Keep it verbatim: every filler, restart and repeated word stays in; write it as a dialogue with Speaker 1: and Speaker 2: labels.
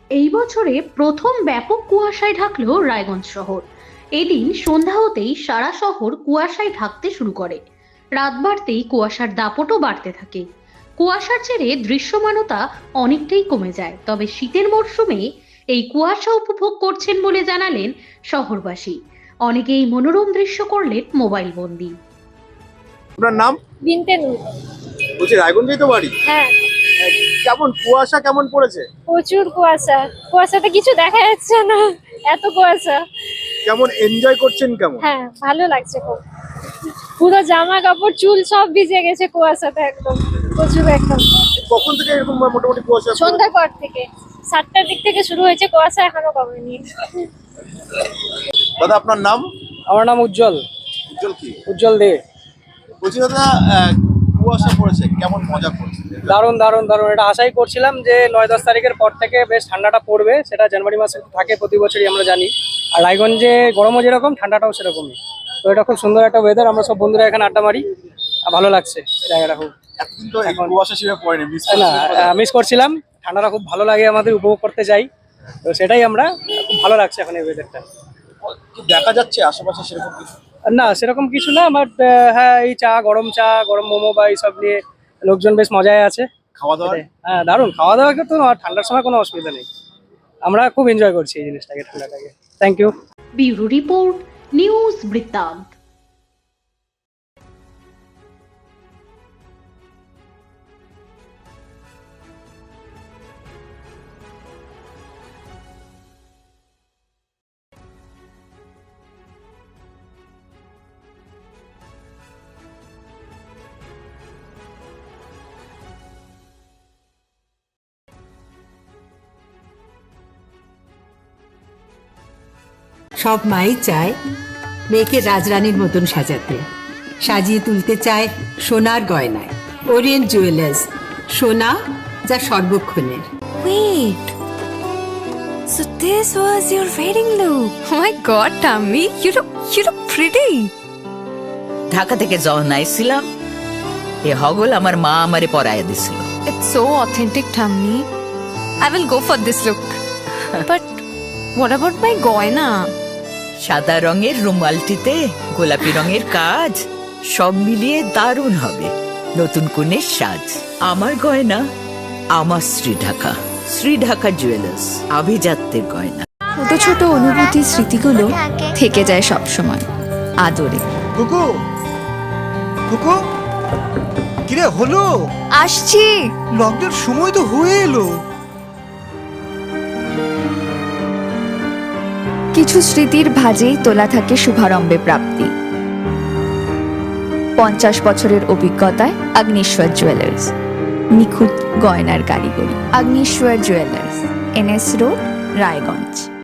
Speaker 1: এই বছরে প্রথম ব্যাপক কুয়াশায় ঢাকলো রায়গঞ্জ শহর। এদিন সন্ধ্যা হতেই সারা শহর কুয়াশায় ঢাকতে শুরু করে। রাত বাড়তেই কুয়াশার দাপটও বাড়তে থাকে। কুয়াশার জেরে দৃশ্যমানতা অনেকটাই কমে যায়, তবে শীতের মরশুমে এই কুয়াশা উপভোগ করছেন বলে জানালেন শহরবাসী। অনেকেই মনোরম দৃশ্য করলেন মোবাইল বন্দি।
Speaker 2: আপনার নাম?
Speaker 3: বিনতে নূর।
Speaker 2: বলছি রায়গঞ্জেই তো বাড়ি।
Speaker 3: হ্যাঁ,
Speaker 2: কেমন কুয়াশা কেমন পড়েছে?
Speaker 3: প্রচুর কুয়াশা। কুয়াশাতে কিছু দেখা যাচ্ছে না, এত কুয়াশা।
Speaker 2: কেমন এনজয় করছেন কেমন?
Speaker 3: হ্যাঁ, ভালো লাগছে খুব। পুরো জামা কাপড় চুল সব ভিজে গেছে কুয়াশাতে, একদম প্রচুর একদম।
Speaker 2: কখন থেকে এরকম মোটামুটি কুয়াশা?
Speaker 3: সন্ধ্যার পর থেকে, সাতটার দিক থেকে শুরু হয়েছে কুয়াশা, এখনো কমেনি।
Speaker 2: দাদা আপনার নাম?
Speaker 4: আমার নাম উজ্জ্বল।
Speaker 2: উজ্জ্বল কি?
Speaker 4: উজ্জ্বল দে।
Speaker 2: বলছি দাদা, আহ, কুয়াশা পড়েছে, কেমন মজা করছে?
Speaker 4: দারুণ দারুণ দারুণ, এটা আশাই করছিলাম যে নয় দশ তারিখের পর থেকে বেশ ঠান্ডাটা পড়বে। সেটা জানুয়ারি মাসে থাকে প্রতি বছরই, আমরা জানি। আর রায়গঞ্জে গরমও যেরকম, ঠান্ডাটাও সেরকমই। তো এটা খুব সুন্দর একটা ওয়েদার, আমরা সব বন্ধুরা এখানে আড্ডা মারি, আর ভালো লাগছে জায়গাটা খুব।
Speaker 2: এতদিন তো এই কুয়াশা সেভাবে পড়েনি, মিস
Speaker 4: না, মিস করছিলাম। ঠান্ডাটা খুব ভালো লাগে আমাদের, উপভোগ করতে চাই। তো সেটাই আমরা, খুব ভালো লাগছে এখন এই ওয়েদারটা।
Speaker 2: দেখা যাচ্ছে আশেপাশে সেরকম কিছু?
Speaker 4: না, সেরকম কিছু না, বাট হ্যাঁ, এই চা, গরম চা, গরম মোমো বা এইসব নিয়ে লোকজন বেশ মজায় আছে।
Speaker 2: খাওয়া দাওয়া?
Speaker 4: হ্যাঁ, দারুণ খাওয়া দাওয়া করতে, ঠান্ডার সময় কোনো অসুবিধা নেই। আমরা খুব এনজয় করছি এই জিনিসটাকে, ঠান্ডাটাকে। Thank you.
Speaker 1: Bureau report, news বৃত্তান্ত।
Speaker 5: সব মাই চায় মেয়েকে রাজরানীর মতন সাজাতে, সাজিয়ে তুলতে চায় সোনার গয়নায়। ওরিয়েন্ট জুয়েলার্স, সোনা যা সর্বক্ষণের।
Speaker 6: Wait, so this was your wedding look? Oh my god, Tammy, you look you look pretty.
Speaker 7: Dhaka থেকে যখন আইছিলাম, এ হগল আমার মা আমারে পরাইয়া দিছিল।
Speaker 6: It's so authentic, Tammy. I will go for this look. But what about my goina?
Speaker 7: সাদা রঙের রুমালটিতে গোলাপি রঙের কাজ, সব মিলিয়ে দারুণ হবে নতুন কনের সাজ। আমার গয়না, আমার শ্রী ঢাকা, শ্রী ঢাকা জুয়েলার্স, আভিজাত্যের গয়না।
Speaker 6: ছোট ছোট অনুভূতি, স্মৃতিগুলো থেকে যায় সব সময় আদরে।
Speaker 2: কুকু, কুকু, কিরে হলো?
Speaker 6: আসছি।
Speaker 2: লকডাউন সময় তো হয়ে এলো।
Speaker 6: কিছু স্মৃতির ভাজেই তোলা থাকে শুভারম্ভে প্রাপ্তি। পঞ্চাশ বছরের অভিজ্ঞতায় আগ্নেশ্বর জুয়েলার্স, নিখুঁত গয়নার কারিগরি। Agneshwar jewellers, NS road, Raiganj.